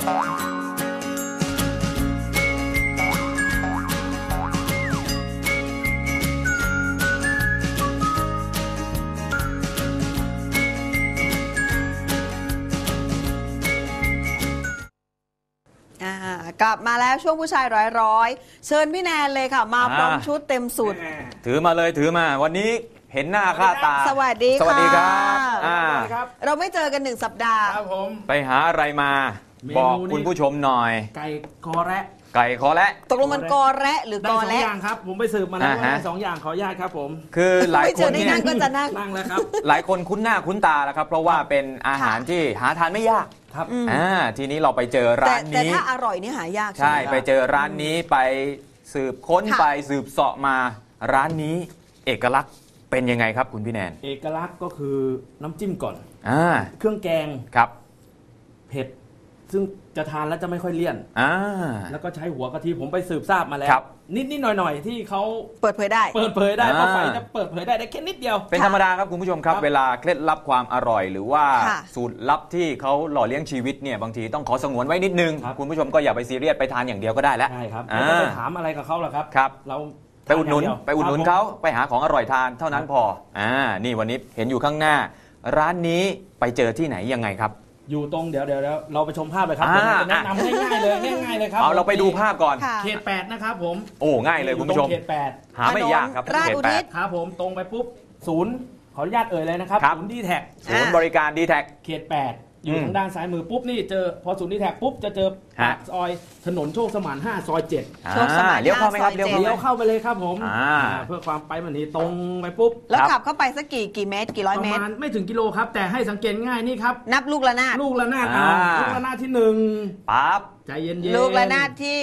กลับมาแล้วช่วงผู้ชายร้อยเชิญพี่แนนเลยค่ะมาพร้อมชุดเต็มสูตรถือมาเลยถือมาวันนี้เห็นหน้าค่าตาสวัสดีค่ะสวัสดีครับเราไม่เจอกัน1 สัปดาห์ครับผมไปหาอะไรมาบอกคุณผู้ชมหน่อยไก่คอแระตกลงมันกอแระหรือกอแระ 2 อย่างครับผมไปสืบมาแล้วว่า2 อย่างขออนุญาตครับผมคือหลายคนเนี่ยก็จะนั่งแล้วครับหลายคนคุ้นหน้าคุ้นตาแล้วครับเพราะว่าเป็นอาหารที่หาทานไม่ยากครับทีนี้เราไปเจอร้านนี้แต่ถ้าอร่อยนี่หายากใช่ไปเจอร้านนี้ไปสืบค้นไปสืบเสาะมาร้านนี้เอกลักษณ์เป็นยังไงครับคุณพี่แนนเอกลักษณ์ก็คือน้ำจิ้มก่อนเครื่องแกงครับเผ็ดซึ่งจะทานแล้วจะไม่ค่อยเลี่ยนแล้วก็ใช้หัวกะทิผมไปสืบทราบมาแล้วนิดหน่อยที่เขาเปิดเผยได้เพราะไฟจะเปิดเผยได้แค่นิดเดียวเป็นธรรมดาครับคุณผู้ชมครับเวลาเคล็ดลับความอร่อยหรือว่าสูตรลับที่เขาหล่อเลี้ยงชีวิตเนี่ยบางทีต้องขอสงวนไว้นิดนึงคุณผู้ชมก็อย่าไปซีเรียสไปทานอย่างเดียวก็ได้แล้วใช่ครับไม่ต้องไปถามอะไรกับเขาหรอกครับเราไปอุดหนุนเขาไปหาของอร่อยทานเท่านั้นพอนี่วันนี้เห็นอยู่ข้างหน้าร้านนี้ไปเจอที่ไหนยังไงครับอยู่ตรงเดี๋ยวเราไปชมภาพเลยครับแนะนำง่ายๆเลยครับเอาเราไปดูภาพก่อนเขต8นะครับผมโอ้ง่ายเลยคุณผู้ชมเขต8 หาไม่ยากครับราชอุทิศครับผมตรงไปปุ๊บศูนย์ขออนุญาตเลยนะครับศูนย์D-Tag ศูนย์บริการ D-Tag เขต8อยู่ทางด้านซ้ายมือปุ๊บนี่เจอพอศูนย์D-Tagปุ๊บจะเจอปากซอยถนนโชคสมาน5ซอย7 โชคสมานเลี้ยวเข้าไหมครับเลี้ยวเข้าไปเลยครับผมเพื่อความไปมันนี่ตรงไปปุ๊บแล้วขับเข้าไปสักกี่เมตรกี่ร้อยเมตรประมาณไม่ถึงกิโลครับแต่ให้สังเกตง่ายนี่ครับนับลูกระนาดลูกระนาดที่1 ปั๊บใจเย็นๆลูกระนาดที่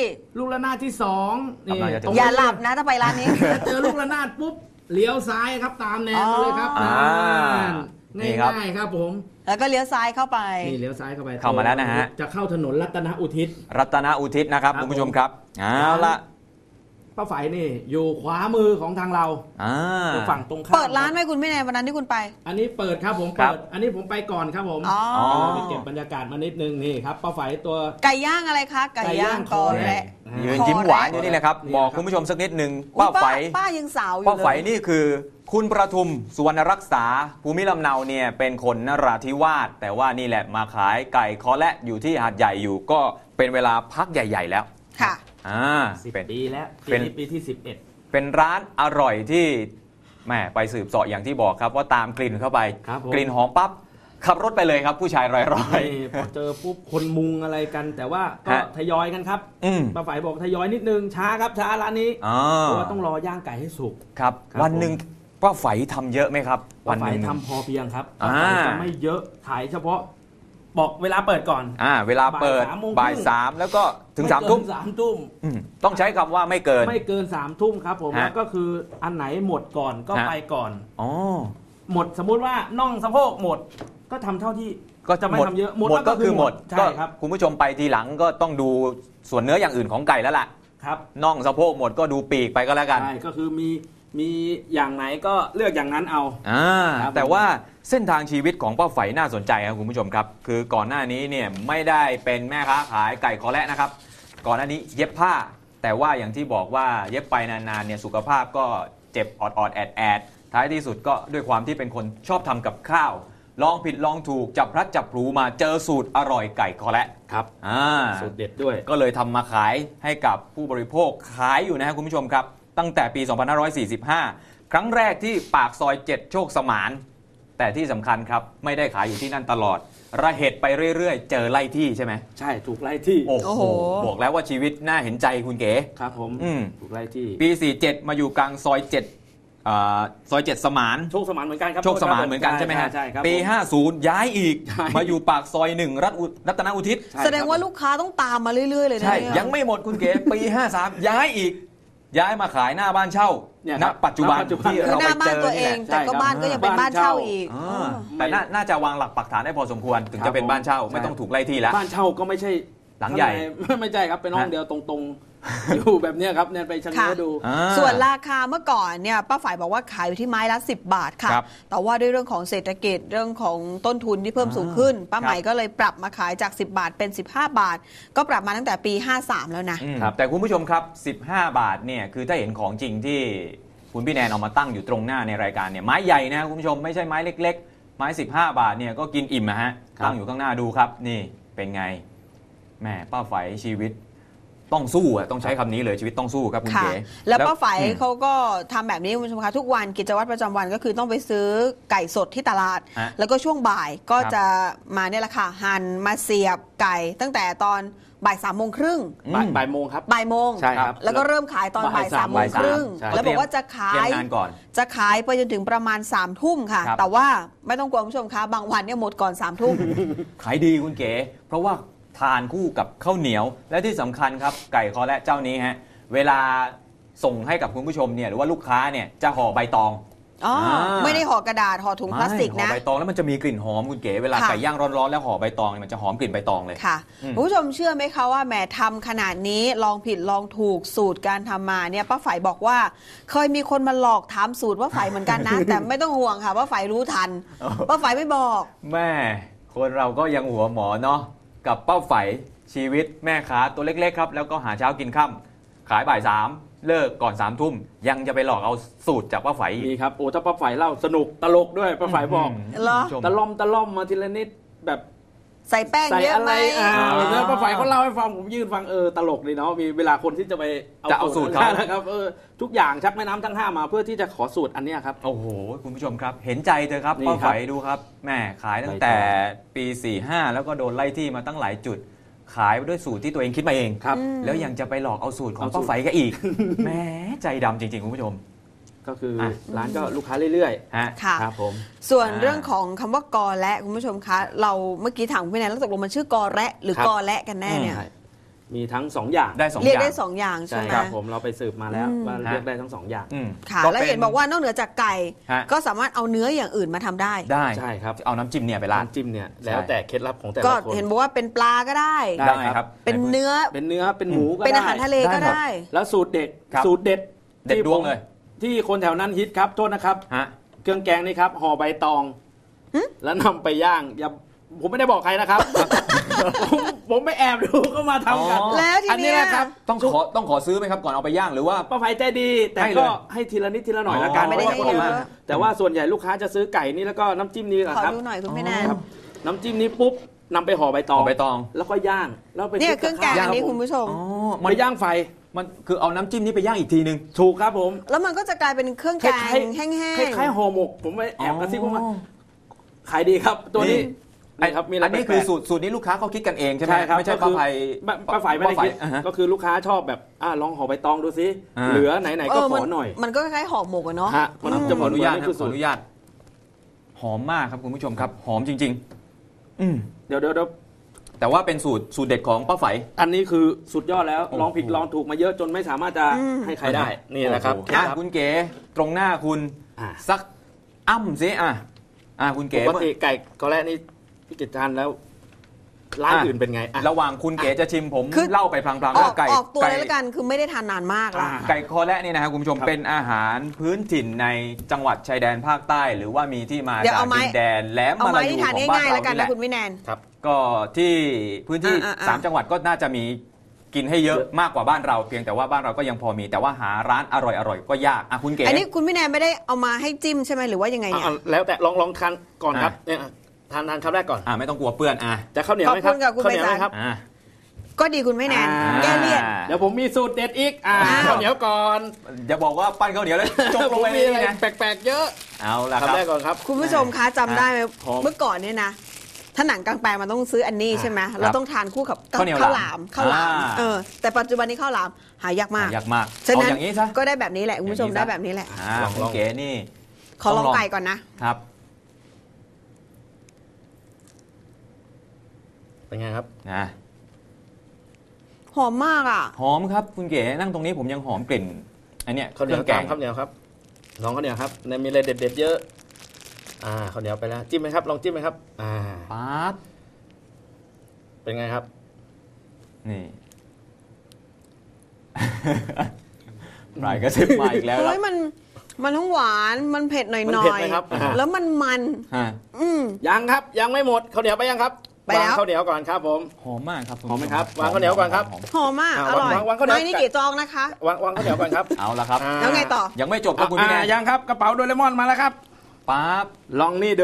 2นี่อย่าหลับนะถ้าไปร้านนี้เจอลูกระนาดปุ๊บเลี้ยวซ้ายครับตามแนวเลยครับง่ายๆครับผมแล้วก็เลี้ยวซ้ายเข้าไปนี่เลี้ยวซ้ายเข้าไปเข้ามาแล้วนะฮะจะเข้าถนนรัตนอุทิศนะครับคุณผู้ชมครับเอาละป้าไฝนี่อยู่ขวามือของทางเราฝั่งตรงข้ามเปิดร้านไหมคุณพี่แนนวันนั้นที่คุณไปอันนี้เปิดครับผมเปิดอันนี้ผมไปก่อนครับผมไปเก็บบรรยากาศมานิดนึงนี่ครับป้าไฝตัวไก่ย่างอะไรคะไก่ย่างคอแระยืนยิ้มหวานอยู่นี่แหละครับบอกคุณผู้ชมสักนิดนึงป้าไฝยังสาวอยู่ป้าไฝนี่คือคุณประทุมสุวรรณรักษาภูมิลำเนาเนี่ยเป็นคนนราธิวาสแต่ว่านี่แหละมาขายไก่คอแระอยู่ที่หาดใหญ่อยู่ก็เป็นเวลาพักใหญ่ๆแล้วค่ะ 10 ปีแล้วปีที่11 เป็นร้านอร่อยที่แม่ไปสืบเสาะอย่างที่บอกครับว่าตามกลิ่นเข้าไปกลิ่นหอมปั๊บขับรถไปเลยครับผู้ชายร้อยพอเจอปุ๊บคนมุงอะไรกันแต่ว่าก็ทยอยกันครับป้าฝ่ายบอกทยอยนิดนึงช้าครับช้าร้านนี้เพราะว่าต้องรอย่างไก่ให้สุกครับวันหนึ่งป้าไฝทำเยอะไหมครับวันหนึ่งทำพอเพียงครับป้าไฝจะไม่เยอะขายเฉพาะบอกเวลาเปิดก่อนเวลาเปิดบ่าย 3แล้วก็ถึง3 ทุ่มต้องใช้คำว่าไม่เกิน 3 ทุ่มครับผมแล้วก็คืออันไหนหมดก่อนก็ไปก่อนหมดสมมุติว่าน่องสะโพกหมดก็ทำเท่าที่ก็จะไม่ทำเยอะหมดก็คือหมดใช่ครับคุณผู้ชมไปทีหลังก็ต้องดูส่วนเนื้ออย่างอื่นของไก่แล้วล่ะครับน่องสะโพกหมดก็ดูปีกไปก็แล้วกันใช่ก็คือมีอย่างไหนก็เลือกอย่างนั้นเอาแต่ว่าเส้นทางชีวิตของป้าไฝน่าสนใจครับคุณผู้ชมครับคือก่อนหน้านี้เนี่ยไม่ได้เป็นแม่ค้าขายไก่คอแระนะครับก่อนหน้านี้เย็บผ้าแต่ว่าอย่างที่บอกว่าเย็บไปนานๆเนี่ยสุขภาพก็เจ็บออดแอดท้ายที่สุดก็ด้วยความที่เป็นคนชอบทำกับข้าวลองผิดลองถูกจับพลัดจับผลูมาเจอสูตรอร่อยไก่คอแระครับสูตรเด็ดด้วยก็เลยทำมาขายให้กับผู้บริโภคขายอยู่นะครับคุณผู้ชมครับตั้งแต่ปี 2545 ครั้งแรกที่ปากซอย7โชคสมานแต่ที่สำคัญครับไม่ได้ขายอยู่ที่นั่นตลอดระเหตุไปเรื่อยๆเจอไล่ที่ใช่ไหมใช่ถูกไล่ที่โอ้โหบอกแล้วว่าชีวิตน่าเห็นใจคุณเก๋ครับผมถูกไล่ที่ปี 47 มาอยู่กลางซอย7ซอย7สมานโชคสมานเหมือนกันครับโชคสมานเหมือนกันใช่ไหมฮะปี 50 ย้ายอีกมาอยู่ปากซอย1รัตนอุทิศแสดงว่าลูกค้าต้องตามมาเรื่อยๆเลยนะใช่ยังไม่หมดคุณเก๋ปี 53 ย้ายอีกย้ายมาขายหน้าบ้านเช่าณปัจจุบันที่เราไปเจอตัวเองแต่ก็บ้านก็ยังเป็นบ้านเช่าอีกแต่น่าจะวางหลักปักฐานได้พอสมควรถึงจะเป็นบ้านเช่าไม่ต้องถูกไล่ที่แล้วบ้านเช่าก็ไม่ใช่หลังใหญ่ไม่ใช่ครับเป็นห้องเดียวตรงอยู่แบบเนี้ยครับเนี่ยไปชะเง้อดูส่วนราคาเมื่อก่อนเนี่ยป้าฝ่ายบอกว่าขายอยู่ที่ไม้ละ10 บาทค่ะ แต่ว่าด้วยเรื่องของเศรษฐกิจเรื่องของต้นทุนที่เพิ่มสูงขึ้นป้าใหม่ก็เลยปรับมาขายจาก10 บาทเป็น15 บาทก็ปรับมาตั้งแต่ปี53แล้วนะแต่คุณผู้ชมครับ15 บาทเนี่ยคือถ้าเห็นของจริงที่คุณพี่แนนเอามาตั้งอยู่ตรงหน้าในรายการเนี่ยไม้ใหญ่นะคุณผู้ชมไม่ใช่ไม้เล็กๆไม้15 บาทเนี่ยก็กินอิ่มนะฮะตั้งอยู่ข้างหน้าดูครับนี่เป็นไงแม่ป้าไฝชีวิตต้องสู้อ่ะต้องใช้คำนี้เลยชีวิตต้องสู้ครับคุณเก๋แล้วป้าไฝเขาก็ทำแบบนี้คุณผู้ชมคะทุกวันกิจวัตรประจำวันก็คือต้องไปซื้อไก่สดที่ตลาดแล้วก็ช่วงบ่ายก็จะมาเนี่ยแหละค่ะหั่นมาเสียบไก่ตั้งแต่ตอนบ่าย3 โมงครึ่งบ่ายโมงครับบ่ายโมงใช่ครับแล้วก็เริ่มขายตอนบ่าย3 โมงครึ่งแล้วบอกว่าจะขายไปจนถึงประมาณ3 ทุ่มค่ะแต่ว่าไม่ต้องกลัวคุณผู้ชมคะบางวันเนี่ยหมดก่อน3 ทุ่มขายดีคุณเก๋เพราะว่าทานคู่กับข้าวเหนียวและที่สำคัญครับไก่คอและเจ้านี้ฮะเวลาส่งให้กับคุณผู้ชมเนี่ยหรือว่าลูกค้าเนี่ยจะห่อใบตองไม่ได้ห่อกระดาษห่อถุงพลาสติกนะห่อใบตองแล้วมันจะมีกลิ่นหอมคุณเก๋เวลาไก่ย่างร้อนๆแล้วห่อใบตองมันจะหอมกลิ่นใบตองเลยค่ะคุณผู้ชมเชื่อไหมคะว่าแหมทำขนาดนี้ลองผิดลองถูกสูตรการทำมาเนี่ยป้าฝ่ายบอกว่าเคยมีคนมาหลอกถามสูตรว่าฝ่ายเหมือนกันนะ แต่ไม่ต้องห่วงค่ะว่าฝ่ายรู้ทันป้าฝ่ายไม่บอกแม่คนเราก็ยังหัวหมอเนาะกับป้าฝ่ายชีวิตแม่ค้าตัวเล็กๆครับแล้วก็หาเช้ากินค่ำขายบ่าย3เลิกก่อน3 ทุ่มยังจะไปหลอกเอาสูตรจากป้าไฝมีครับโอ้ถ้าป้าไฝเล่าสนุกตลกด้วยป้าไฝบอกตะล่อมมาทีละนิดแบบใส่แป้งเยอะไหมแล้วป้าไฝเขาเล่าให้ฟังผมยืนฟังตลกดีเนาะมีเวลาคนที่จะไปเอาสูตรเขานะครับทุกอย่างชักแม่น้ำทั้ง5มาเพื่อที่จะขอสูตรอันนี้ครับโอ้โหคุณผู้ชมครับเห็นใจเธอครับป้าไฝดูครับแม่ขายตั้งแต่ปี45แล้วก็โดนไล่ที่มาตั้งหลายจุดขายด้วยสูตรที่ตัวเองคิดมาเองแล้วยังจะไปหลอกเอาสูตรของป้าไฝก็อีกแม้ใจดำจริงๆคุณผู้ชมก็คือร้านก็ลูกค้าเรื่อยๆค่ะครับผมส่วนเรื่องของคำว่ากอและคุณผู้ชมคะเราเมื่อกี้ถามพี่แนนแล้วตกลงมันชื่อกอและหรือกอและกันแน่เนี่ยมีทั้ง2อย่างได้2อย่างเรียกได้2อย่างใช่ไหมครับผมเราไปสืบมาแล้วว่าเรียกได้ทั้ง2อย่างค่ะแล้วเห็นบอกว่านอกเหนือจากไก่ก็สามารถเอาเนื้ออย่างอื่นมาทำได้ใช่ครับเอาน้ำจิ้มเนี่ยไปราดน้ำจิ้มเนี่ยแล้วแต่เคล็ดลับของแต่ละคนก็เห็นบอกว่าเป็นปลาก็ได้ครับเป็นเนื้อเป็นหมูก็ได้เป็นอาหารทะเลก็ได้แล้วสูตรเด็ดที่ดวงเลยที่คนแถวนั้นฮิตครับโทษนะครับเครื่องแกงนี่ครับห่อใบตองแล้วนำไปย่างอย่าผมไม่ได้บอกใครนะครับผมไม่แอบดูก็มาทำกันแล้วทีนี้นะครับต้องขอซื้อไหมครับก่อนเอาไปย่างหรือว่าป้าไฝใจดีแต่ก็ให้ทีละนิดทีละหน่อยละกันไม่ได้ให้เยอะแต่ว่าส่วนใหญ่ลูกค้าจะซื้อไก่นี่แล้วก็น้ำจิ้มนี้ครับขอดูหน่อยคุณแม่แนนน้ำจิ้มนี้ปุ๊บนำไปห่อใบตองแล้วก็ย่างแล้วไปเนี่ยเครื่องแกงอันนี้คุณผู้ชมมันย่างไฟมันคือเอาน้ำจิ้มนี้ไปย่างอีกทีนึงถูกครับผมแล้วมันก็จะกลายเป็นเครื่องแกงแห้งๆคล้ายๆห่อหมกผมไปแอบกระซิบว่าขายดีครับตัวนี้อันนี้คือสูตรนี้ลูกค้าเขาคิดกันเองใช่ไหมไม่ใช่ป้าไฝไม่ได้คิดก็คือลูกค้าชอบแบบลองห่อใบตองดูซิเหลือไหนๆก็ขอหน่อยมันก็คล้ายๆห่อหมกอะเนาะมันจะขออนุญาตหอมมากครับคุณผู้ชมครับหอมจริงๆเดี๋ยวแต่ว่าเป็นสูตรเด็ดของป้าไฝอันนี้คือสุดยอดแล้วลองผิดลองถูกมาเยอะจนไม่สามารถจะให้ใครได้นี่แหละครับคุณเก๋ตรงหน้าคุณสักสิคุณเก๋ปกติไก่ก็แล้วนี่พี่กิตทานแล้วร้านอื่นเป็นไงระหว่างคุณเก๋จะชิมผมเล่าไปพลางๆว่าไก่ออกตัวเลยละกันคือไม่ได้ทานนานมากละไก่คอและนี่นะครับคุณผู้ชมเป็นอาหารพื้นถิ่นในจังหวัดชายแดนภาคใต้หรือว่ามีที่มาจากดินแดนแหลมมาลายูของบ้านเรานี่แหละคุณวิแนนครับก็ที่พื้นที่3จังหวัดก็น่าจะมีกินให้เยอะมากกว่าบ้านเราเพียงแต่ว่าบ้านเราก็ยังพอมีแต่ว่าหาร้านอร่อยก็ยากคุณเก๋อันนี้คุณวิแนนไม่ได้เอามาให้จิ้มใช่ไหมหรือว่ายังไงเนี่ยแล้วแต่ลองทานก่อนครับเนี่ยทานคำแรกก่อนไม่ต้องกลัวเปื้อนจะข้าวเหนียวไหมครับข้าวเหนียวไหมครับก็ดีคุณไม่แนนแก้เลี่ยนเดี๋ยวผมมีสูตรเด็ดอีกข้าวเหนียวก่อนอย่าบอกว่าปั้นข้าวเหนียวแล้วจบลงไปนี่นะแปลกๆเยอะเอาละครับคำแรกก่อนครับคุณผู้ชมคะจำได้ไหมเมื่อก่อนเนี่ยนะถ้าหนังกลางแปลงมันต้องซื้ออันนี้ใช่ไหมเราต้องทานคู่กับข้าวหลามแต่ปัจจุบันนี้ข้าวหลามหายากมากฉะนั้นก็ได้แบบนี้แหละคุณผู้ชมได้แบบนี้แหละลองเก๋นี่ขอลองไก่ก่อนนะครับเป็นไงครับหอมมากอ่ะหอมครับคุณเก๋นั่งตรงนี้ผมยังหอมกลิ่นอันเนี้ยข้าวเหนียวแกงข้าวเหนียวครับน้องข้าวเหนียวครับมีอะไรเด็ดๆเยอะข้าวเหนียวไปแล้วจิ้มไหมครับลองจิ้มไหมครับปั๊บเป็นไงครับนี่ปลายกระซิบมาอีกแล้วครับเฮ้ยมันทั้งหวานมันเผ็ดหน่มันอเผ็ดยไหมครับๆแล้วมันฮะยังครับยังไม่หมดข้าวเหนียวไปยังครับไปแล้ววางข้าวเหนียวก่อนครับผมหอมมากครับหอมไหมครับวางข้าวเหนียวก่อนครับหอมมากอร่อยวางข้าวเหนียวไม่นี่กี่จองนะคะวางข้าวเหนียวก่อนครับเอาละครับแล้วไงต่อยังไม่จบครับคุณพี่แนนยังครับกระเป๋าโดเรมอนมาแล้วครับปั๊บลองนี่ดู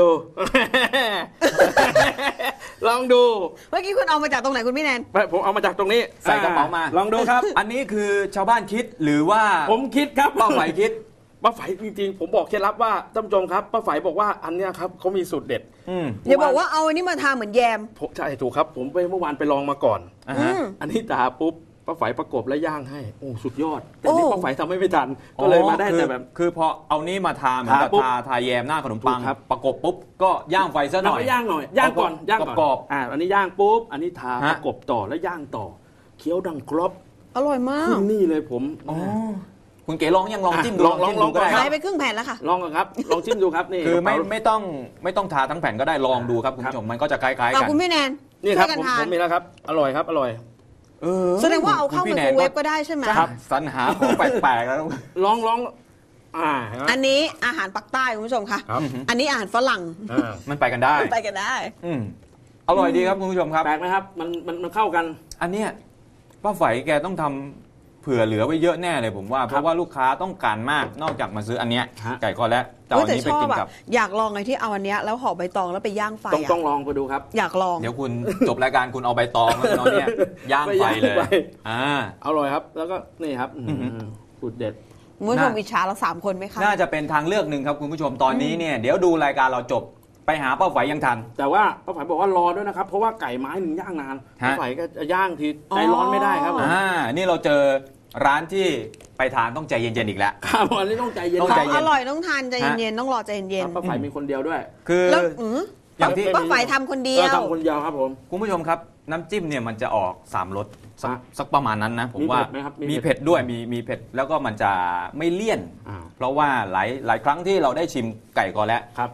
ลองดูเมื่อกี้คุณเอามาจากตรงไหนคุณพี่แนนผมเอามาจากตรงนี้ใส่กระเป๋ามาลองดูครับอันนี้คือชาวบ้านคิดหรือว่าผมคิดครับป้าไฝคิดป้าไฝจริงๆผมบอกเคล็ดลับว่าท่านผู้ชมครับป้าไฝบอกว่าอันเนี้ยครับเขามีสูตรเด็ดอย่าบอกว่าเอาอันนี้มาทาเหมือนแยมใช่ถูกครับผมไปเมื่อวานไปลองมาก่อนอ่าฮะอันนี้ทาปุ๊บป้าไฝประกบและย่างให้โอ้สุดยอดแต่โอ้นี่ป้าไฝทำไม่ทันก็เลยมาได้อ๋อแต่แบบคือพอเอานี้มาทาเหมือนกับทาปุ๊บทาแยมหน้าขนมปังถูกครับประกบปุ๊บก็ย่างไฟซะหน่อยย่างหน่อยย่างก่อนย่างก่อนกรอบอันนี้ย่างปุ๊บอันนี้ทาฮะประกบต่อแล้วย่างต่อเคี้ยวดังกรอบอร่อยมาขึ้กนนี่เลยผมอ๋อคุณเก๋ลองยังลองจิ้มดูลองจิ้มดูก็ได้ลองใช้ไปครึ่งแผ่นแล้วค่ะลองก่อนครับลองชิมดูครับนี่คือไม่กระเป๋าไม่ต้องทาทั้งแผ่นก็ได้ลองดูครับคุณผู้ชมมันก็จะคล้ายๆเอากันคุณพี่แนนนี่ช่ครัวบยกันผมทานมีแล้วครับอร่อยครับอร่อยแสดงว่าเอาเข้าคุณไมพี่โครแนนเวฟก็ได้ใช่ไหมครับสรรหาของแปลกๆแล้วลองอันนี้อาหารปักใต้คุณผู้ชมค่ะครับอันนี้อาหารฝรั่งมันไปกันได้ไปกันได้อืมอร่อยดีครับคุณผู้ชมครับแปลกไหมครับมันเข้ากันอันเนี้ยป้าไฝแกต้องทำเผื่อเหลือไว้เยอะแน่เลยผมว่า เพราะว่าลูกค้าต้องการมากนอกจากมาซื้ออันเนี้ยฮะไก่คอและจะเอาอันแต่นี้ชไปอบกินอะกับอยากลองไอ้ที่เอาอันเนี้ยแล้วห่อใบตองแล้วไปย่างไฟต้องอะลองไปดูครับอยากลองเดี๋ยวคุณ จบรายการคุณเอาใบตองแล้วคุณเอาเนี่ยย่างไฟเลยไปอ่าอร่อยครับ แล้วก็นี่ครับสูตรเด็ดคุณผู้ชมอิจฉาเรา3 คนไหมคะน่าจะเป็นทางเลือกหนึ่งครับคุณผู้ชมตอนนี้เนี่ยเดี๋ยวดูรายการเราจบไปหาป้าไฝยังทันแต่ว่าป้าไฝบอกว่ารอด้วยนะครับ เพราะว่าไก่ไม้หนึ่งย่างนานฮะป้าไฝก็จะย่างทีใจร้อนไม่ได้ครับผมนี่เราเจอร้านที่ไปทานต้องใจเย็นๆอีกแล้วครับอันนี้ต้องใจเย็นต้องขใจองเย็อน ร่อยต้องทานใจเย็นๆต้องรอใจเย็นป้าไฝมีคนเดียวด้วยคือๆแล้วอย่างที่ป้าไฝทำคนเดียวทำคนเดียวครับผมคุณผู้ชมครับน้ำจิ้มเนี่ยมันจะออก3 รสฮะสักประมาณนั้นนะผมว่ามีเผ็ดไหมครับมีเผ็ดมีเผ็ดด้วยมีเผ็ดแล้วก็มันจะไม่เลี่ยน เพราะว่าหลายครั้งที่เราได้ชิมไก่กอและครับ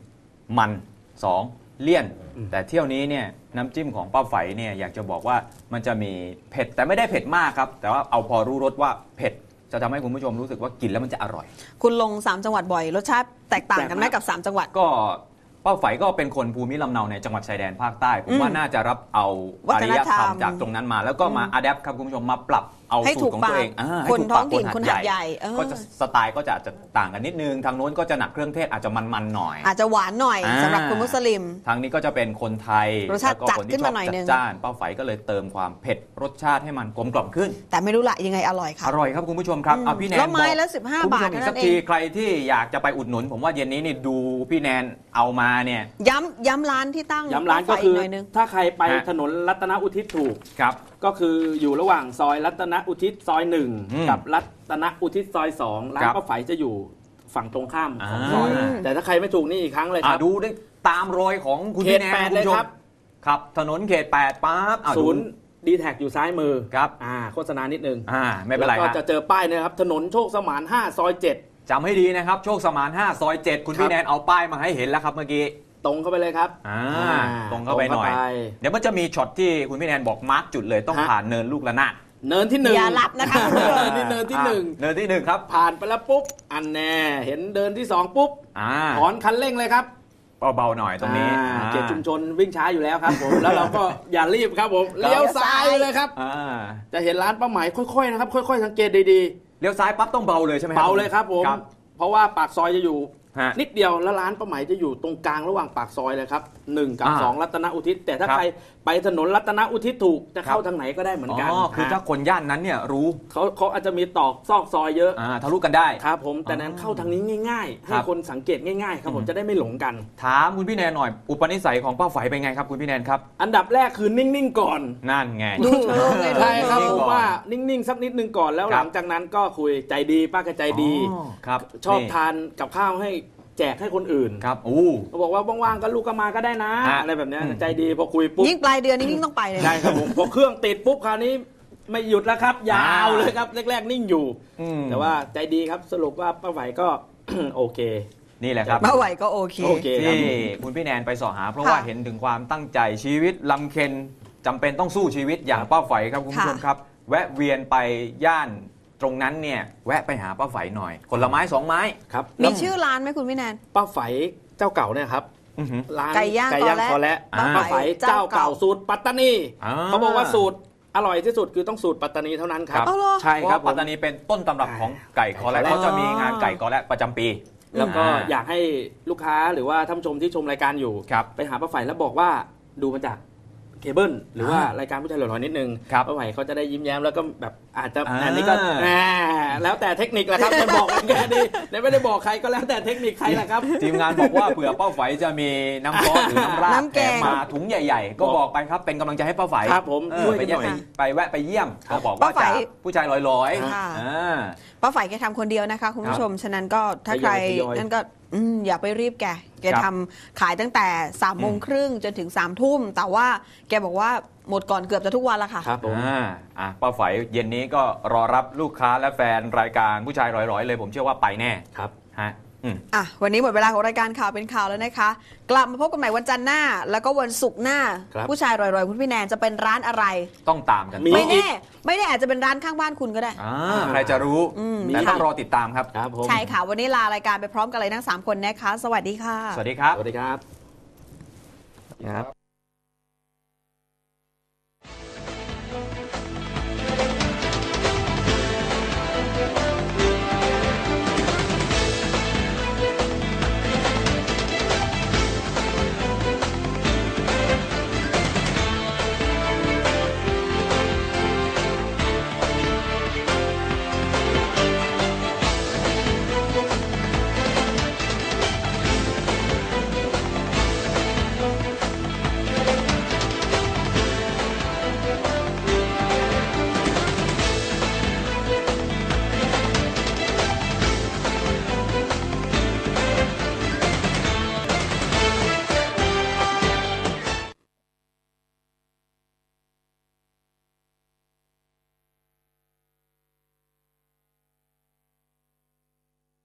1มัน2เลี่ยน แต่เที่ยวนี้เนี่ยน้ำจิ้มของป้าไฝเนี่ยอยากจะบอกว่ามันจะมีเผ็ดแต่ไม่ได้เผ็ดมากครับแต่ว่าเอาพอรู้รสว่าเผ็ดจะทำให้คุณผู้ชมรู้สึกว่ากินแล้วมันจะอร่อยคุณลง3 จังหวัดบ่อยรสชาติแตกต่างกันไหมกับ3 จังหวัดก็ป้าไฝก็เป็นคนภูมิลำเนาในจังหวัดชายแดนภาคใต้ผมว่าน่าจะรับเอาวัอารฒนยธรธรรรมมจากตรงนั้นมา แล้วก็มาอัดแอปครับคุณผู้ชมมาปรับเอาให้สูถูตกรของปากตัวเองให้คนถูกท้ปาอก งถิ่นคนหาดใหญ่ก็จะสไตล์ก็จะต่างกันนิดนึงทางโน้นก็จะหนักเครื่องเทศอาจจะมันๆหน่อยอาจจะหวานหน่อยสำหรับคุณมุสลิมทางนี้ก็จะเป็นคนไทยรสชาติแล้วก็คนจัดขึ้ที่นชอมาบหน่อยจันึดงจ้านป้าไฝก็เลยเติมความเผ็ดรสชาติให้มันกลมกล่อมขึ้นแต่ไม่รู้ละยังไงอร่อยค่ะอร่อยครับคุณผู้ชมครับเอาพี่แนนแล้วไม้บอกละ15 คุณผู้ชมบาทอีกเท่านั้นสักทีเองใครที่อยากจะไปอุดหนุน ผมว่าเย็นนี้นี่ดูพี่แนนเอามาเนี่ยย้ำร้านที่ตั้งย้ำร้านป้ก็ไฝคือหน่อยนึงถ้าใครไปฮะถนนรัตนอุทิศถูกครับก็คืออยู่ระหว่างซอยรัตนอุทิศซอยอืม 1 กับรัตนอุทิศซอย 2 ร้านครับป้าไฝจะอยู่ฝั่งตรงข้ามของอ่าซอย แต่ถ้าใครไม่ถูกนี่อีกครั้งเลยครับดูได้ตามรอยของคุณเขพี่ตแนนแปดคุณเลยผู้ชมครับครับ ถนนเขต8ปั๊บดูศูนย์ดีแท็กอยู่ซ้ายมือครับโฆษณานิดนึงไม่เป็นไรแล้วก็ฮะจะเจอป้ายนะครับ ถนนโชคสมาน5ซอย 7 จำให้ดีนะครับ โชคสมาน5ซอย7คุณครับพี่แนนเอาป้ายมาให้เห็นแล้วครับเมื่อกี้ตรงเข้าไปเลยครับตรงเข้าไปหน่อย เดี๋ยวมันจะมีช็อตที่คุณพี่แนนบอกมาร์กจุดเลยต้องฮะผ่านเนินลูกระนาดเนินที่1 อย่าหลับนะคะคุณผู้ชมนี่เนินที่เนินที่1ครับ 1 ผ่านไปแล้วปุ๊บ อันแน่เห็นเดินที่ 2 ปุ๊บ ถอนคันเร่งเลยครับเบาๆหน่อยตรงนี้เขตชุมชนวิ่งช้าอยู่แล้วครับผม แล้วเราก็อย่ารีบครับผมครับเลี้ยวซ้ายเลยครับ จะเห็นร้านป้าไหมค่อยๆนะครับ ค่อยๆสังเกตดีเลี้ยวซ้ายปั๊บต้องเบาเลยใช่ไหมๆ เบาเลยครับผม เพราะว่าปากซอยจะอยู่ฮะนิดเดียวแล้วร้านป้าไหมจะอยู่ตรงกลางระหว่างปากซอยเลยครับ1 กับ 2 รัตนอุทิศแต่ถ้าครับใครไปถนนรัตนอุทิศถูกจะเข้าทางไหนก็ได้เหมือนกันคือถ้าคนย่านนั้นเนี่ยรู้เขาอาจจะมีตอกซอกซอยเยอะทะลุกันได้ครับผมแต่นั้นเข้าทางนี้ง่ายๆ ให้ครับคนสังเกตง่ายๆครับผมจะได้ไม่หลงกันถามคุณพี่แนนหน่อย อุปนิสัยของป้าไฝเป็นไงครับคุณพี่แนนครับอันดับแรกคือนิ่งๆก่อนนั่นไงดูเชิงเลยใช่ครับนิ่งผๆมก่อนว่านิ่งๆสักนิดนึงก่อนแล้วครัหบลังจากนั้นก็คุยใจดีป้าก็ใจดีครับชอบนี่ทานกับข้าวให้แจกให้คนอื่นครับเขาบอกว่าว่างๆก็ลูกก็มาก็ได้นะฮะอะไรแบบเนี้ยอืมใจดีพอคุยปุ๊บยิ่งปลายเดือนนี่ยิ่งต้องไปเลยใช่ครับผมพอเครื่องติดปุ๊บคราวนี้ไม่หยุดแล้วครับ ยาวเลยครับแรกๆนิ่งอยู่ แต่ว่าใจดีครับสรุปว่าป้าไหวก็ โอเคนี่แหละครับมาไหวก็โอเคโอเคที่คุณพี่แนนไปสอหา เพราะว่าเห็นถึงความตั้งใจชีวิตลำเค็ญจำเป็นต้องสู้ชีวิตอย่างป้าไฝครับคุณผู้ชมครับ แวะเวียนไปย่านตรงนั้นเนี่ยแวะไปหาป้าไฝหน่อยคนละไม้2 ไม้ครับมีชื่อร้านไหมคุณพี่แนนป้าไฝเจ้าเก่าเนี่ยครับร้านไก่ย่างคอและป้าไฝเจ้าเก่าสูตรปัตตานีเขาบอกว่าสูตรอร่อยที่สุดคือต้องสูตรปัตตานีเท่านั้นครับใช่ครับปัตตานีเป็นต้นตำรับของไก่คอและเขาจะมีงานไก่คอและประจำปีแล้วก็อยากให้ลูกค้าหรือว่าท่านผู้ชมที่ชมรายการอยู่ไปหาป้าไฝแล้วบอกว่าดูมาจากเคเบิลหรือว่ารายการผู้ชายหล่อๆนิดนึงป้าไฝเขาจะได้ยิ้มแย้มแล้วก็แบบอาจจะอันนี้ก็แล้วแต่เทคนิคแหละครับจะบอกกันแค่นี้ไม่ได้บอกใครก็แล้วแต่เทคนิคใครแหละครับทีมงานบอกว่าเผื่อป้าไฝจะมีน้ำซอสหรือน้ำราดมาถุงใหญ่ๆก็บอกไปครับเป็นกำลังใจให้ป้าไฝครับผมช่วยกันหน่อยไปแวะไปเยี่ยมเขาบอกว่าจากผู้ชายลอยป้าไฝแกทำคนเดียวนะคะคุณผู้ชมฉะนั้นก็ถ้าใครนั่นก็อย่าไปรีบแกทำขายตั้งแต่3:30จนถึง3 ทุ่มแต่ว่าแกบอกว่าหมดก่อนเกือบจะทุกวันละค่ะครับผมป้าไฝเย็นนี้ก็รอรับลูกค้าและแฟนรายการผู้ชายร้อยๆเลยผมเชื่อว่าไปแน่ครับฮะวันนี้หมดเวลาของรายการข่าวเป็นข่าวแล้วนะคะกลับมาพบกันใหม่วันจันทร์หน้าแล้วก็วันศุกร์หน้าผู้ชายรอยๆคุณพี่แนนจะเป็นร้านอะไรต้องตามกันไม่แน่อาจจะเป็นร้านข้างบ้านคุณก็ได้ใครจะรู้แต่ต้องรอติดตามครับใช่ค่ะวันนี้ลารายการไปพร้อมกันเลยทั้ง3 คนนะคะสวัสดีค่ะสวัสดีครับครับ